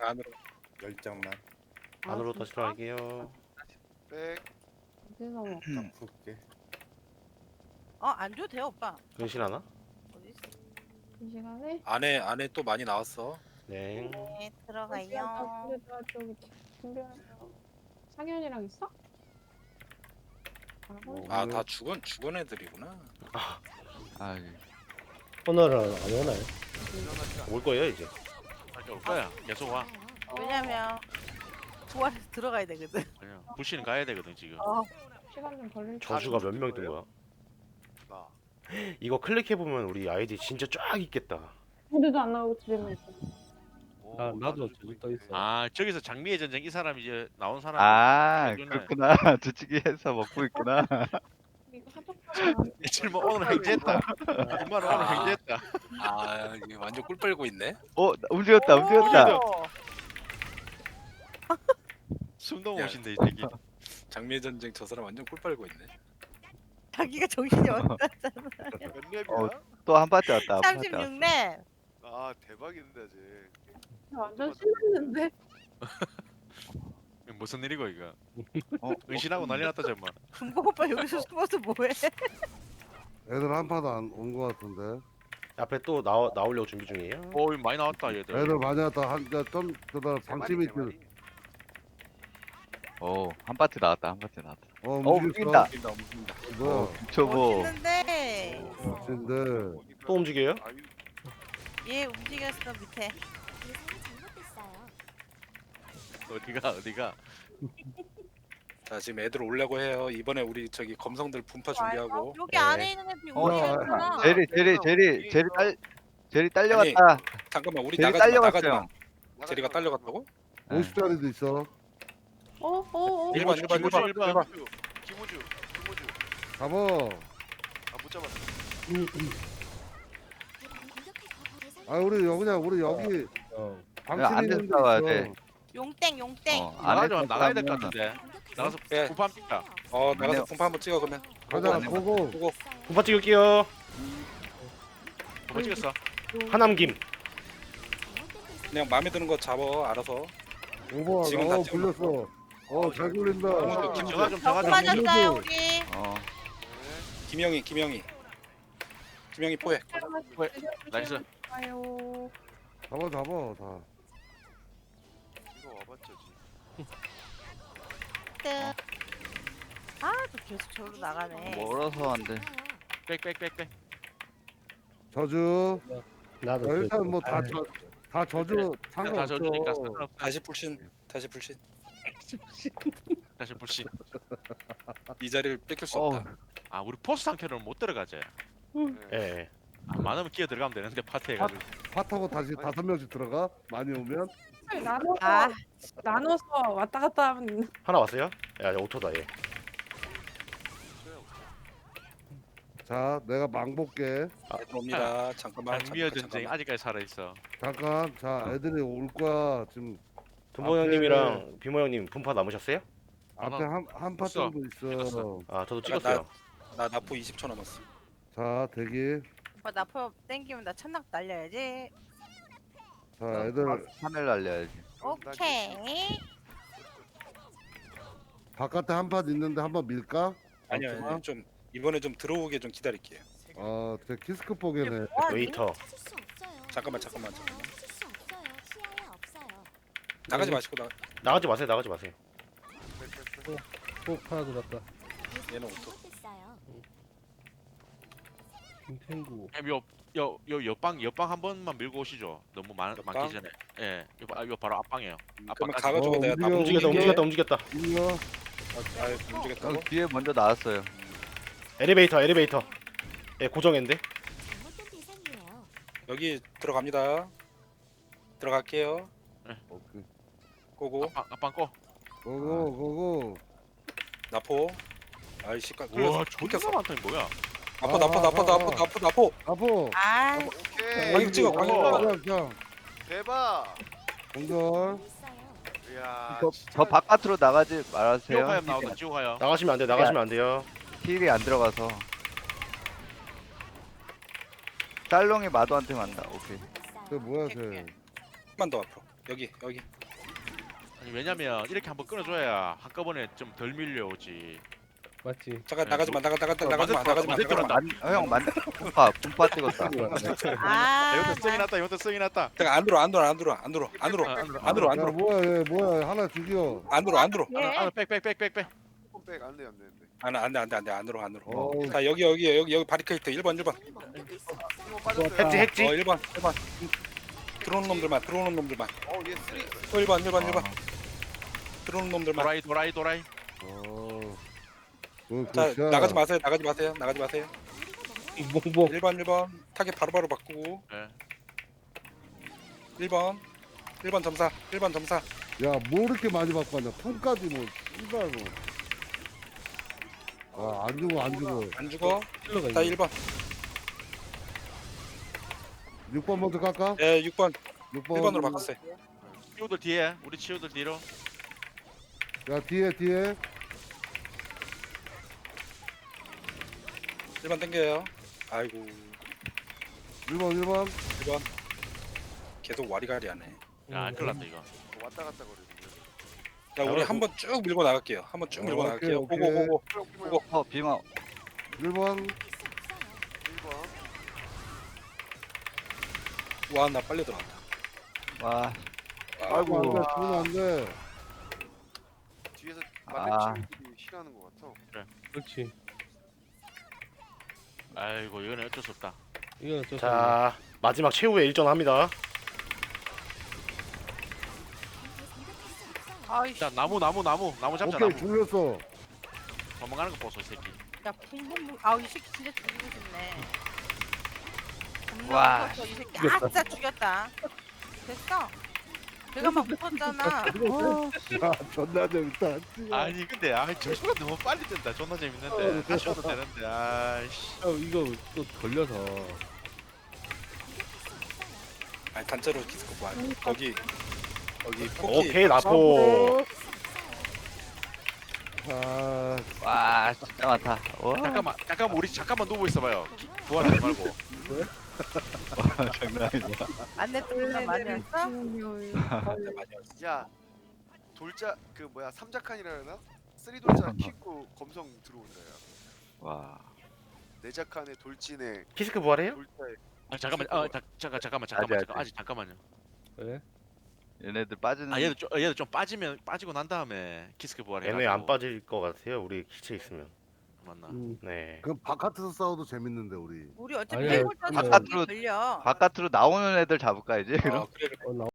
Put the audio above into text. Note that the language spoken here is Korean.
안으로 10장만 안으로 다시 들어갈게요. 백. 어디서 먹? 딱 풀게. 안 줘도 돼요 오빠. 근신하나? 어디 있어? 이 시간에? 안에 또 많이 나왔어. 네. 네 아, 들어가요. 근데 나 저기 준비하려고. 상현이랑 있어? 아 다 죽은 애들이구나. 아, 예. 오늘은 안 오나요? 올 거예요 이제. 올 거야. 계속 와. 왜냐면 부활해서 들어가야 되거든. 그냥 부시는 가야 되거든 지금. 시간 좀 걸릴 거. 저주가 몇 명 뜬 거야? 나. 이거 클릭해 보면 우리 아이디 진짜 쫙 있겠다. 무대도 안 나오고 집에만 있어. 오, 아, 나도 나도 저기 떠 있어. 아 저기서 장미의 전쟁 이 사람 이제 나온 사람. 아, 그러네. 그렇구나. 저치기해서 먹고 있구나. 이거 하도 며칠 뭐 오늘 횡재했다. 정말 오늘 횡재했다. 아 이게 완전 꿀 빨고 있네. 움직였다, 움직였다. 오! 숨도 야. 못 쉰다 이 새끼. 장미의 전쟁 저 사람 완전 꿀 빨고 있네. 자기가 정신이 없다. 몇 렙이야? 어, 또 한 파트 왔다. 한 파트 왔다. 36렙. 아 대박인데 쟤. 완전 신났는데. 무슨 일이고 이거. 어, 은신하고 난리 났다 정말. 금고 오빠 여기서 숨어서 뭐해? 애들 한 파도 안 온 거 같은데. 앞에 또 나오려고 준비 중이에요. 오 많이 나왔다 얘들. 애들 많이 왔다. 좀 그다 방심이 들. 한 파트 나왔다, 한 파트 나왔다. 움직인다. 움직인다. 움직인다. 뭐야? 초보. 멋있는데 근데 또 움직여요? 얘 움직였어 밑에. 어디가. 자 지금 애들 오려고 해요. 이번에 우리 저기 검성들 분파 준비하고. 여기 네. 안에 있는 애들이 움직였구나. 제리 딸려갔다. 잠깐만 우리 제리 나가지 마. 나가지 마. 딸려갔어요. 제리가 딸려갔다고? 50짜리도 있어. 일반. 김우주. 잡아. 아못 잡았어. 아 우리 여기 어. 방심이 안에서 있는 데 싸워야 있어. 돼. 용땡. 나가야 될 것 같은데. 나가서 예. 구판 찍자. 나가서 분파 한번 찍어 그러면. 가자. 안에 고고. 보고. 분파 찍을게요. 구판 찍었어. 하남김. 그냥 마음에 드는 거 잡아 알아서. 오버. 지금 다 굴렸어. 잘 굴린다. 저가 좀 정 저가 좀. 맞았어요 우리. 김영희 포획. 나이스. 아유. 잡아 다. 이거 와봤죠 지. 아또 계속 저로 나가네. 멀어서 안 돼. 빽. 저주. 나도 일단 뭐 다 저주 다 상관없어. 저주니까 상관없다. 다시 불신. 다시 불신. 이 자리를 뺏길 수 어우. 없다. 아 우리 포스 상태로는 못 들어가지. 예. 많으면 끼어 들어가면 되는데 파트 해가지고. 파타고 다시 5명씩 들어가. 많이 오면. 아 나눠서 왔다 갔다 하면 하나 왔어요? 야 오토다 얘. 자, 내가 망 볼게. 애들 옵니다. 잠깐만. 장미의 전쟁 아직까지 살아 있어. 잠깐. 자, 애들이 올 거야. 지금 금보 형님이랑 비모 형님 분파 남으셨어요? 앞에 한 파 없어. 정도 있어. 찍었어. 아 저도 나- 찍었어요. 나 나포 20초 남았어. 자, 대기. 오빠 나포 땡기면 나 천낙 날려야지. 자, 애들 하늘 날려야지. 오케이. 바깥에 한 파 있는데 한번 밀까? 아니요, 없구나? 아니요. 좀 이번에 좀 들어오게 좀 기다릴게요. 제 키스크 포개네. 웨이터. 잠깐만. 나가지 마시고 나가지 마세요. 꼭 하나 들었다. 얘는 오토. 김탱구. 요 옆방 한 번만 밀고 오시죠. 너무 많기 옆방? 전에. 예. 요 바로 앞방이에요. 그러면 앞방까지. 가가지고 내가 다 움직였다. 밀려. 움직였다고? 뒤에 먼저 나왔어요. 엘리베이터. 예 고정인데. 여기 들어갑니다. 들어갈게요. 오케이. 고고 앞방 꺼. 고고. 나포. 아이씨 까. 우와 존나 많다 이거 뭐야? 나포. 아포. 아 오케이. 광역 찍어, 광역. 자, 대박. 공절. 이야. 저 바깥으로 나가지 말아주세요. 지옥하염 나온다. 지옥하염. 나가시면 안 돼요. 힐이 안 들어가서. 짤롱이 마도한테 만나. 오케이. 쟤 뭐야 쟤? 한번 더 앞으로. 여기. 아니 왜냐면 이렇게 한번 끊어줘야 한꺼번에 좀 덜 밀려오지. 맞지. 잠깐 네, 나가지 마. 나가지 마. 형 분파 찍었다. 아, 이것도 승이 났다. 이것도 승이 났다. 잠깐 안 들어. 아, 안으로. 야 뭐야 하나 죽여. 안으로. 예. 백. 백안 돼, 안 되는데. 안돼 안으로. 어우. 자 여기 바리케이트 1번. 이거 빠졌어요. 했지. 1번. 들어오는 놈들만. 얘 쓰리. 1번. 들어오는 놈들만. 도라이. 자 굿샷. 나가지 마세요. 몽봉. 1번 타겟 바로바로 바꾸고. 네. 1번 점사. 야뭐 이렇게 많이 바꿨냐? 폰까지 뭐 이발 뭐. 아안 죽어. 안 죽어. 킬러가 자 있네. 1번. 6번 먼저 깎아. 예 6번. 6번. 1번으로 바꿨어요. 치우들 뒤에. 우리 치우들 뒤로. 야 뒤에. 1번 땡겨요. 아이고 1번. 계속 와리가리하네. 야 큰일 났다 이거. 왔다 갔다 거리는 자 우리 한번 쭉 밀고 나갈게요. 오케이. 고고. 빙어. 1번. 1번. 와 나 빨리 들어왔다. 와. 아이고 안돼 죽으면 안돼. 뒤에서 아. 맞는 친구들이 싫어하는 것 같아. 그렇지. 아이고 이거는 어쩔 수 없다. 이건 어쩔 수 없네. 자 마지막 최후의 일전합니다. 아이씨. 자 나무 잡자. 오케이 나무. 죽였어. 도망가는 거 보소 이 새끼. 야, 붕붕붕. 아우, 이 새끼 진짜 죽이고 싶네. 와. 겁나 무서워, 이 새끼. 아, 진짜 죽였다. 됐어. 내가 막 무섭잖아. 야 존나 재밌다. 아니 근데 저 시간 너무 빨리 뜬다. 존나 재밌는데. 다시 와도 되는데. 아이씨. 이거 또 걸려서. 아니 단체로 키스코 와. 거기 포기. 오케이 나포. 아 와 진짜 많다. 와. 잠깐만 우리 잠깐만 누워 있어봐요. 부활하지 말고. 장난 아니다. 안내 뚫나 많이 했어? 야 돌자 그 뭐야 삼자칸이라 해나? 쓰리 돌자 킥고 검성 들어온다 야. 와. 네자칸에 돌진에 키스크 부활해요? 돌자에 잠깐만. 잠깐만. 아직 잠깐만요. 그래? 얘네들 빠지는. 얘들 좀 빠지고 난 다음에 키스크 부활해. 얘네 안 빠질 것 같아요. 우리 기체 있으면. 맞나? 네. 그럼 바깥에서 싸워도 재밌는데 우리. 우리 어차피 아니야, 해골 짜서 바깥으로- 걸려. 바깥으로 나오는 애들 잡을까 이제. 그럼. 그래. 나